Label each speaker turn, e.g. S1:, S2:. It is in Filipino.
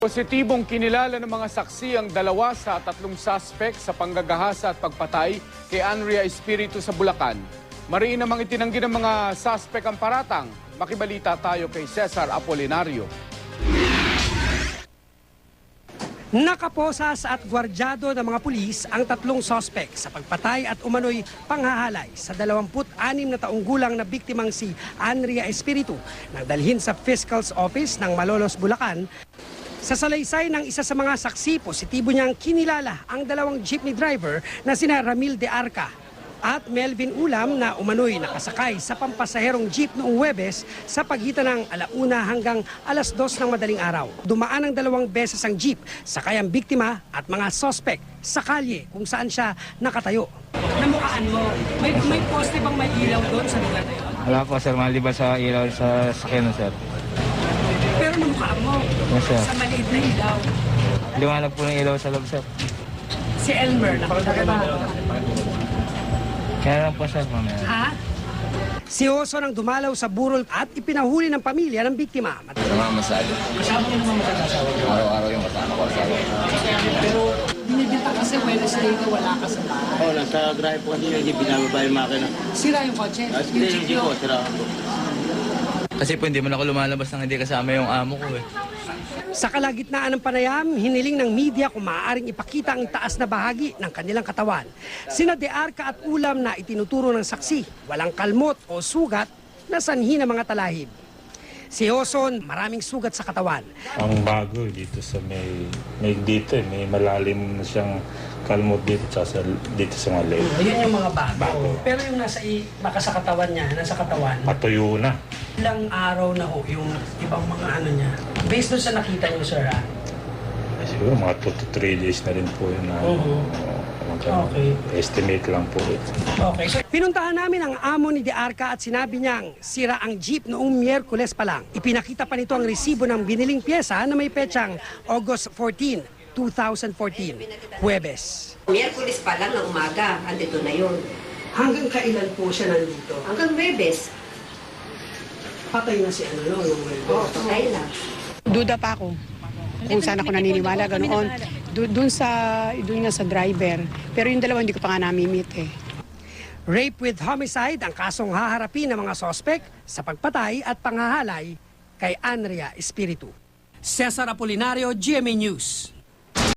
S1: Positibong kinilala ng mga saksi ang dalawa sa tatlong suspect sa panggagahasa at pagpatay kay Andrea Espiritu sa Bulacan. Mariin namang itinanggi ng mga suspect ang paratang. Makibalita tayo kay Cesar Apolinario.
S2: Nakaposas at gwardyado ng mga pulis ang tatlong suspect sa pagpatay at umano'y panghahalay sa 26 na taong gulang na biktimang si Andrea Espiritu nang dalhin sa Fiscal's Office ng Malolos, Bulacan. Sa salaysay ng isa sa mga saksi, positibo niyang kinilala ang dalawang jeepney driver na sina Ramil de Arca at Melvin Ulam na umano'y nakasakay sa pampasaherong jeep noong Huwebes sa pagitan ng 1:00 hanggang 2:00 ng madaling araw. Dumaan ng 2 beses ang jeep, sakay ang biktima at mga suspect sa kalye kung saan siya nakatayo. Namukhaan mo, may poste bang may ilaw doon sa lugar na yun?
S3: Wala po sir, maliban sa ilaw sa sakyan sir.
S2: Pero namukhaan mo,
S3: Yes, sir.
S2: sa maliit na ilaw.
S3: Liwanag po ng ilaw sa loob sir.
S2: Si Elmer, nakita ba?
S3: Kaya lang po sir, mamaya.
S2: Ha? Si Oso nang dumalaw sa burol at ipinahuli ng pamilya ng biktima.
S4: Namamasado.
S2: Kasama niyo naman mag-asawa.
S4: Araw-araw yung kasama ko asawa.
S2: Pero binibinta kasi Wednesday na wala ka sa bahay.
S4: Oo, nasa drive po kasi hindi binababa yung makina.
S2: Sira yung kotse?
S4: Hindi, hindi po, sira po.
S5: Kasi po hindi man ako lumalabas nang hindi kasama yung amo ko eh.
S2: Sa kalagitnaan ng panayam, hiniling ng media kung maaaring ipakita ang taas na bahagi ng kanilang katawan. Sina De Arca at Ulam na itinuturo ng saksi, walang kalmot o sugat na sanhi ng mga talahib. Si Oson, maraming sugat sa katawan.
S6: Ang bago dito sa may dito may malalim na siyang kalmot dito dito sa mga leg.
S2: Ayun yung mga bago. Pero yung baka sa katawan niya, nasa katawan,
S6: Patuyo na.
S2: ilang araw na ho yung ibang mga ano niya. Based doon sa nakita niyo, sir, ha?
S6: Siguro mga 2 to 3 days na rin po yun na
S2: Okay.
S6: estimate lang po ito.
S2: Okay. So, pinuntahan namin ang amo ni De Arca at sinabi niyang sira ang jeep noong Miyerkules pa lang. Ipinakita pa nito ang resibo ng biniling pyesa na may petsang August 14, 2014, Huwebes.
S7: Miyerkules pa lang ng umaga, andito na yun.
S2: Hanggang kailan po siya nandito?
S7: Hanggang Webes,
S2: Patay na si ano, no?
S7: patay na.
S8: Duda pa ako kung saan ako naniniwala, ganoon. Doon nga sa driver. Pero yung dalawa hindi ko pa nga namimit eh.
S2: Rape with homicide ang kasong haharapin ng mga sospek sa pagpatay at panghahalay kay Andrea Espiritu. Cesar Apolinario, GMA News.